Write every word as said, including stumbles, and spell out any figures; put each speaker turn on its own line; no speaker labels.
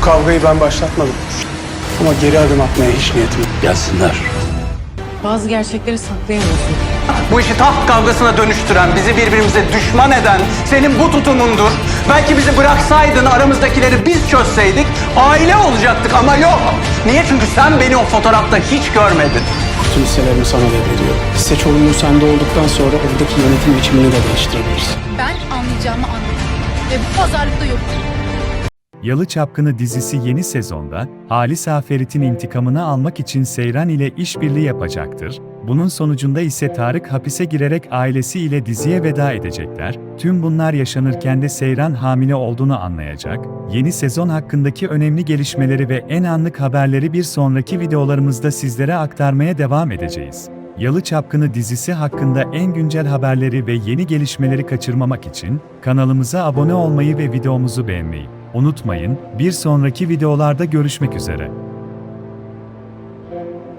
kavgayı ben başlatmadım. Ama geri adım atmaya hiç niyetim yok.
Gelsinler.
Bazı gerçekleri saklayamıyorsun.
Bu işi taht kavgasına dönüştüren, bizi birbirimize düşman eden senin bu tutumundur. Belki bizi bıraksaydın, aramızdakileri biz çözseydik aile olacaktık ama yok. Niye? Çünkü sen beni o fotoğrafta hiç görmedin.
Bütün hisselerimi sana devrediyorum. Hisse çoğunluğu sende olduktan sonra evdeki yönetim biçimini de değiştirebilirsin.
Ben anlayacağımı anladım. Ve bu pazarlıkta yok.
Yalı Çapkını dizisi yeni sezonda, Halis Aferit'in intikamını almak için Seyran ile işbirliği yapacaktır. Bunun sonucunda ise Tarık hapise girerek ailesi ile diziye veda edecekler. Tüm bunlar yaşanırken de Seyran hamile olduğunu anlayacak. Yeni sezon hakkındaki önemli gelişmeleri ve en anlık haberleri bir sonraki videolarımızda sizlere aktarmaya devam edeceğiz. Yalı Çapkını dizisi hakkında en güncel haberleri ve yeni gelişmeleri kaçırmamak için kanalımıza abone olmayı ve videomuzu beğenmeyi unutmayın. Bir sonraki videolarda görüşmek üzere.